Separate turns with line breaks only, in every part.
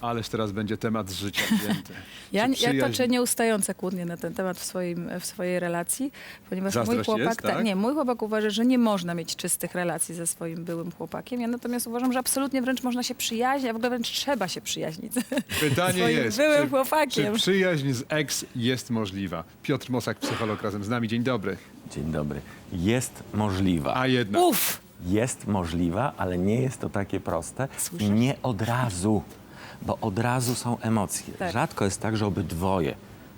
Ależ teraz będzie temat z życia wzięty.
Ja
Czy przyjaźń-
toczę nieustające kłótnie na ten temat w swojej relacji, ponieważ mój
Zazdrość
chłopak,
jest, tak?
nie, mój chłopak uważa, że nie można mieć czystych relacji ze swoim byłym chłopakiem. Ja natomiast uważam, że absolutnie wręcz można się przyjaźnić, a w ogóle wręcz trzeba się przyjaźnić
Pytanie
swoim
jest,
byłym
czy
chłopakiem.
przyjaźń z ex jest możliwa? Piotr Mosak, psycholog, razem z nami. Dzień dobry.
Dzień dobry. Jest możliwa.
A jednak.
Uff!
Jest możliwa, ale nie jest to takie proste
Słyszę.
i nie od razu, bo od razu są emocje.
Tak.
Rzadko jest tak, że obydwoje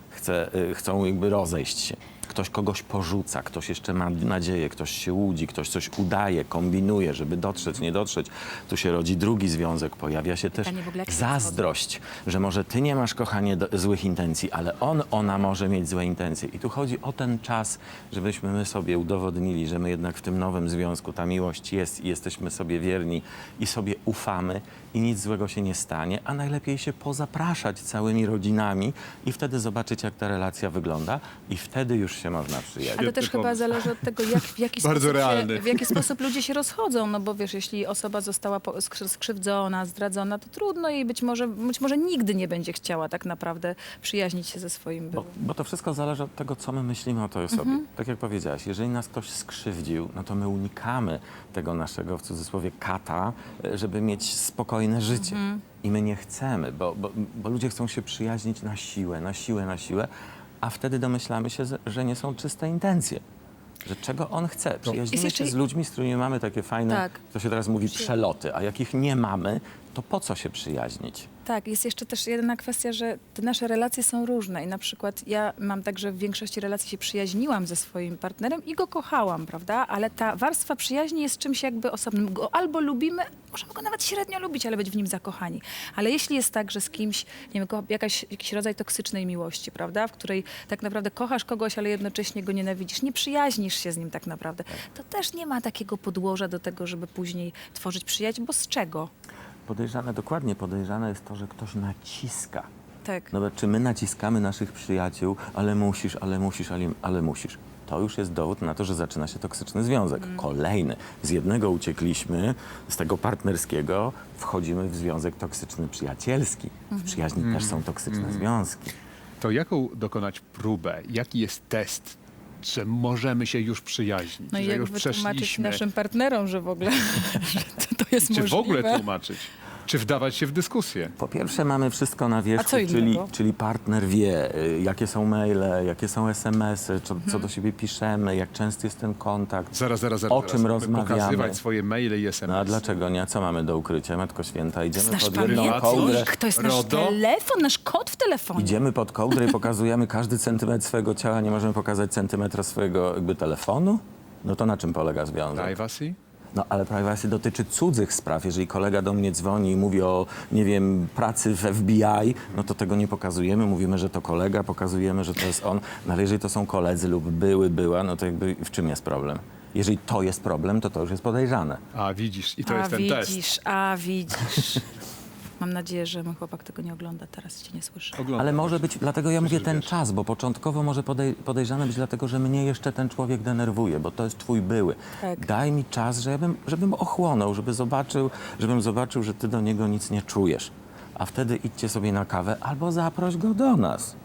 chcą jakby rozejść się. Ktoś kogoś porzuca, ktoś jeszcze ma nadzieję, ktoś się łudzi, ktoś coś udaje, kombinuje, żeby dotrzeć, nie dotrzeć. Tu się rodzi drugi związek, pojawia się też
Pytanie w ogóle, jak się
zazdrość, że może ty nie masz, kochanie, złych intencji, ale ona może mieć złe intencje. I tu chodzi o ten czas, żebyśmy my sobie udowodnili, że my jednak w tym nowym związku ta miłość jest i jesteśmy sobie wierni i sobie ufamy i nic złego się nie stanie, a najlepiej się pozapraszać całymi rodzinami i wtedy zobaczyć, jak ta relacja wygląda i wtedy już się można przyjaźnić.
Ale też
Świetny
chyba
pomysł.
zależy od tego, w jaki
Bardzo
sposób
realny.
w jaki sposób ludzie się rozchodzą. No bo wiesz, jeśli osoba została skrzywdzona, zdradzona, to trudno jej być może nigdy nie będzie chciała tak naprawdę przyjaźnić się ze swoim byłym.
Bo to wszystko zależy od tego, co my myślimy o tej osobie. Tak jak powiedziałaś, jeżeli nas ktoś skrzywdził, no to my unikamy tego naszego, w cudzysłowie, kata, żeby mieć spokojne życie. I my nie chcemy, bo ludzie chcą się przyjaźnić na siłę, na siłę, a wtedy domyślamy się, że nie są czyste intencje. Że czego on chce. Przyjaźnimy
jeszcze-
się z ludźmi, z którymi mamy takie fajne,
Tak.
to się teraz mówi, przeloty, a jakich nie mamy, to po co się przyjaźnić?
Tak, jest jeszcze też jedna kwestia, że te nasze relacje są różne i na przykład ja mam tak, że w większości relacji się przyjaźniłam ze swoim partnerem i go kochałam, prawda? Ale ta warstwa przyjaźni jest czymś jakby osobnym. Go albo lubimy, możemy go nawet średnio lubić, ale być w nim zakochani. Ale jeśli jest tak, że z kimś, nie wiem, jakiś rodzaj toksycznej miłości, prawda? W której tak naprawdę kochasz kogoś, ale jednocześnie go nienawidzisz, nie przyjaźnisz się z nim tak naprawdę, to też nie ma takiego podłoża do tego, żeby później tworzyć przyjaźń, bo z czego?
Dokładnie podejrzane jest to, że ktoś naciska.
Tak.
No bo czy my naciskamy naszych przyjaciół, ale musisz, ale musisz. To już jest dowód na to, że zaczyna się toksyczny związek. Kolejny. Z jednego uciekliśmy, z tego partnerskiego wchodzimy w związek toksyczny przyjacielski. W przyjaźni też są toksyczne związki.
To jaką dokonać próbę? Jaki jest test, że możemy się już przyjaźnić?
No i
że
jak
już
wytłumaczyć
przeszliśmy?
naszym partnerom, że w ogóle że to jest
Czy
możliwe.
w ogóle tłumaczyć? Czy wdawać się w dyskusję?
Po pierwsze mamy wszystko na
A
wierzchu,
co innego?
czyli partner wie, jakie są maile, jakie są SMS-y, co do siebie piszemy, jak częsty jest ten kontakt.
Zaraz.
O czym
Mamy
rozmawiamy?
pokazywać swoje maile i SMS.
No a dlaczego nie? A co mamy do ukrycia? Matko Święta, idziemy
Znasz
pod jedną
pamiętnik?
kołdrę.
To jest nasz
RODO?
telefon, nasz kod w telefonie.
Idziemy pod kołdrę i pokazujemy każdy centymetr swojego ciała, nie możemy pokazać centymetra swojego jakby telefonu? No to na czym polega związek?
Privacy?
No ale privacy dotyczy cudzych spraw. Jeżeli kolega do mnie dzwoni i mówi o, nie wiem, pracy w FBI, no to tego nie pokazujemy. Mówimy, że to kolega, pokazujemy, że to jest on. No ale jeżeli to są koledzy lub była, no to jakby w czym jest problem? Jeżeli to jest problem, to już jest podejrzane.
A widzisz, i to
a
jest ten
widzisz,
test.
a widzisz. Mam nadzieję, że mój chłopak tego nie ogląda, teraz cię nie słyszy.
Oglądam.
Ale może być, dlatego ja mówię ten
wiesz.
czas, bo początkowo może podejrzane być dlatego, że mnie jeszcze ten człowiek denerwuje, bo to jest twój były.
Tak.
Daj mi czas, żebym ochłonął, żebym zobaczył, że ty do niego nic nie czujesz. A wtedy idźcie sobie na kawę albo zaproś go do nas.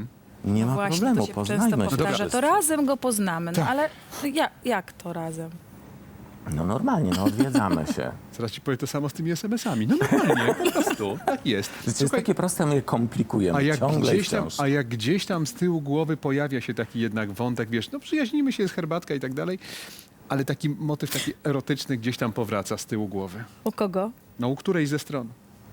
Nie ma
Właśnie,
problemu,
to się często
poznajmy się.
powtarza,
wszyscy.
to razem go poznamy. No
Tak.
ale jak to razem?
No normalnie, no odwiedzamy się.
Zaraz ci powiem to samo z tymi SMS-ami. No normalnie, po prostu. Tak jest.
To jest
Słuchaj,
takie proste, my je komplikujemy ciągle i wciąż.
a jak gdzieś tam z tyłu głowy pojawia się taki jednak wątek, wiesz, no przyjaźnimy się, jest herbatka i tak dalej, ale taki motyw taki erotyczny gdzieś tam powraca z tyłu głowy.
U kogo?
No u którejś ze stron.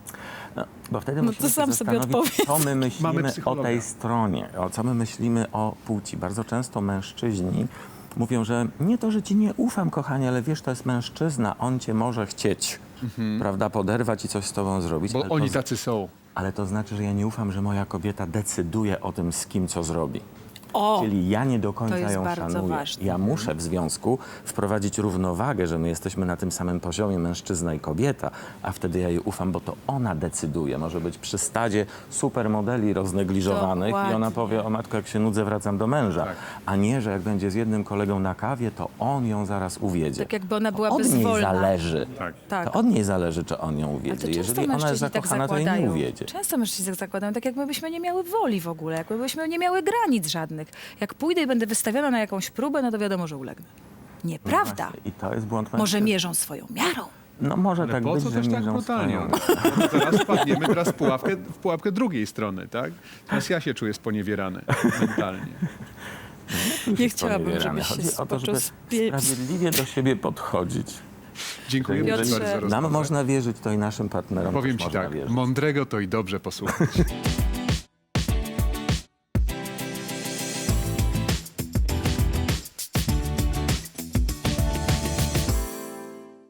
No, bo wtedy
No
musimy
to sam
się
sobie
zastanowić,
odpowiedz.
co my
Mamy
myślimy o
psychologa.
tej stronie, co my myślimy o płci. Bardzo często mężczyźni mówią, że nie to, że ci nie ufam, kochanie, ale wiesz, to jest mężczyzna, on cię może chcieć, prawda, poderwać i coś z tobą zrobić.
Bo
ale
oni
to,
tacy są.
ale to znaczy, że ja nie ufam, że moja kobieta decyduje o tym, z kim co zrobi.
O!
Czyli ja nie do końca
To jest
ją
bardzo
szanuję.
ważne.
Ja muszę w związku wprowadzić równowagę, że my jesteśmy na tym samym poziomie, mężczyzna i kobieta, a wtedy ja jej ufam, bo to ona decyduje. Może być przy stadzie supermodeli roznegliżowanych i ona
Dokładnie.
powie, o matko, jak się nudzę, wracam do męża.
Tak.
A nie, że jak będzie z jednym kolegą na kawie, to on ją zaraz uwiedzie.
Tak jakby ona była
Od niej
bezwolna.
zależy.
Tak.
Tak.
To od niej zależy, czy on ją
Ale
uwiedzie.
to często
Jeżeli ona jest
mężczyźni tak
zakochana, to jej nie
zakładają.
uwiedzie.
Często mężczyźni tak zakładają, tak jakby byśmy nie miały woli w ogóle, jakby byśmy nie miały granic żadnych. Jak pójdę i będę wystawiona na jakąś próbę, no to wiadomo, że ulegnę. Nieprawda.
I to jest błąd
Może
mężczyzn.
mierzą swoją miarą.
No może
Ale
tak
po
być,
co
że
też tak
mierzą
brutalnie?
swoją.
No, zaraz wpadniemy teraz w pułapkę drugiej strony, tak? Teraz ja się czuję sponiewierany mentalnie.
Nie chciałabym,
Sponiewierany.
żebyś się
Chodzi o to, żeby
poczuł
sprawiedliwie do siebie podchodzić.
Dziękuję
Piotrze,
bardzo za rozmowę.
Nam można wierzyć, to i naszym partnerom
Powiem
też
ci
można
tak,
wierzyć.
mądrego to i dobrze posłuchać.